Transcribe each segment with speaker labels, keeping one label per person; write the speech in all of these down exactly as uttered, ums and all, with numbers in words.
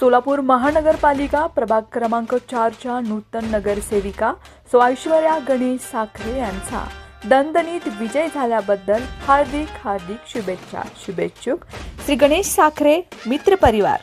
Speaker 1: सोलापूर महानगरपालिका प्रभाग क्रमांक चारच्या नूतन नगरसेविका सो ऐश्वर्या गणेश साखरे यांचा दणदणीत विजय झाल्याबद्दल हार्दिक हार्दिक शुभेच्छा. शुभेच्छुक श्री गणेश साखरे मित्र परिवार.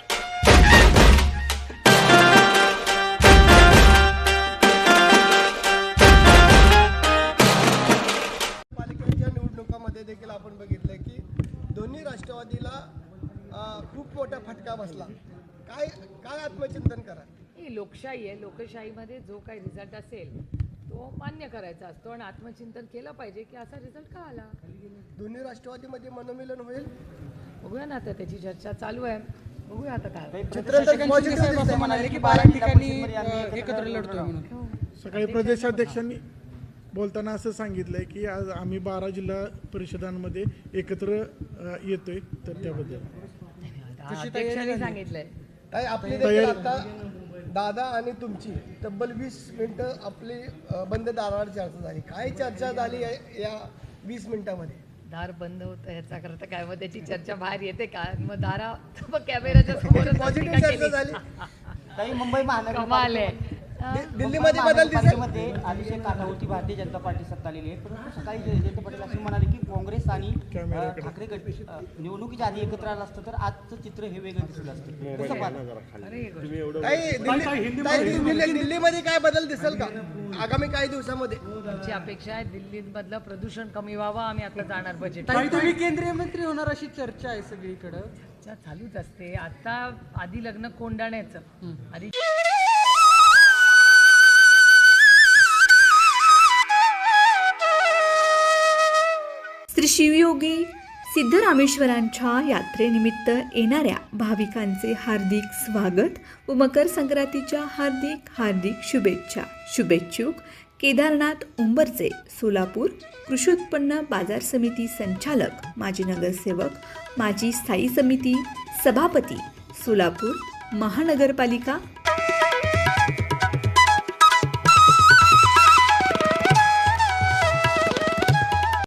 Speaker 2: पालिकेच्या निवडणुकामध्ये देखील आपण बघितलं की दोन्ही राष्ट्रवादीला खूप मोठा फटका बसला. काय काय आत्मचिंतन करा.
Speaker 3: ही लोकशाही आहे. लोकशाहीमध्ये जो काही रिझल्ट असेल तो मान्य करायचा असतो आणि आत्मचिंतन केलं पाहिजे की असा रिझल्ट का आला.
Speaker 2: दोन्ही राष्ट्रवादीमध्ये मनोमिलन होईल.
Speaker 3: बघूया ना, आता त्याची चर्चा चालू आहे. बघूया आता काय
Speaker 4: चित्र म्हणाले की बारा ठिकाणी एकत्र लढतोय म्हणून.
Speaker 5: सकाळी प्रदेशाध्यक्षांनी बोलताना असं सांगितलंय की आज आम्ही बारा जिल्हा परिषदांमध्ये एकत्र अ, येतोय, तर त्याबद्दल
Speaker 3: अध्यक्षांनी सांगितलंय.
Speaker 2: काय आपली देखील आता दादा आणि तुमची तब्बल वीस मिनिटं आपली अ, बंद दारावर चर्चा झाली. काय चर्चा झाली आहे या वीस मिनिटामध्ये.
Speaker 3: दार बंद होतं ह्याचा करता काय, मग त्याची चर्चा बाहेर येते का? मग दारा मग कॅमेराच्या समोर
Speaker 2: पॉझिटिव्ह चर्चा झाली.
Speaker 6: काही मुंबई
Speaker 3: कमाल आहे.
Speaker 2: दि- दिल्लीमध्ये बदल दिसेल.
Speaker 6: मध्ये अतिशय काठावरती भारतीय जनता पार्टी सत्ता आलेली आहे, परंतु सकाळी जयंत पाटील असे म्हणाले की काँग्रेस आणि अ, ठाकरे गट अ, निवडणुकीच्या आधी एकत्र आलं असतं तर आजचं चित्र हे वेगळं दिसलं असतं. कसं पाहता?
Speaker 3: अरे
Speaker 2: काही दिल्ली- काही दिल्ली- दिल्लीमध्ये काय बदल दिसेल का आगामी काही दिवसामध्ये.
Speaker 3: आमची अपेक्षा आहे दिल्लीमधलं प्रदूषण कमी व्हावं. आम्ही आता जाणार बजेट.
Speaker 4: ताई, तुम्ही केंद्रीय मंत्री होणार अशी चर्चा आहे सगळीकडं.
Speaker 3: चर्चा चालूच असते. आता आधी लग्न कोंडाण्याचं आधी
Speaker 1: श्री शिवयोगी सिद्धरामेश्वरांच्या यात्रेनिमित्त येणाऱ्या भाविकांचे हार्दिक स्वागत व मकर संक्रांतीच्या हार्दिक हार्दिक शुभेच्छा. शुभेच्छुक केदारनाथ उंबरचे, सोलापूर कृषी उत्पन्न बाजार समिती संचालक, माजी नगरसेवक, माजी स्थायी समिती सभापती, सोलापूर महानगरपालिका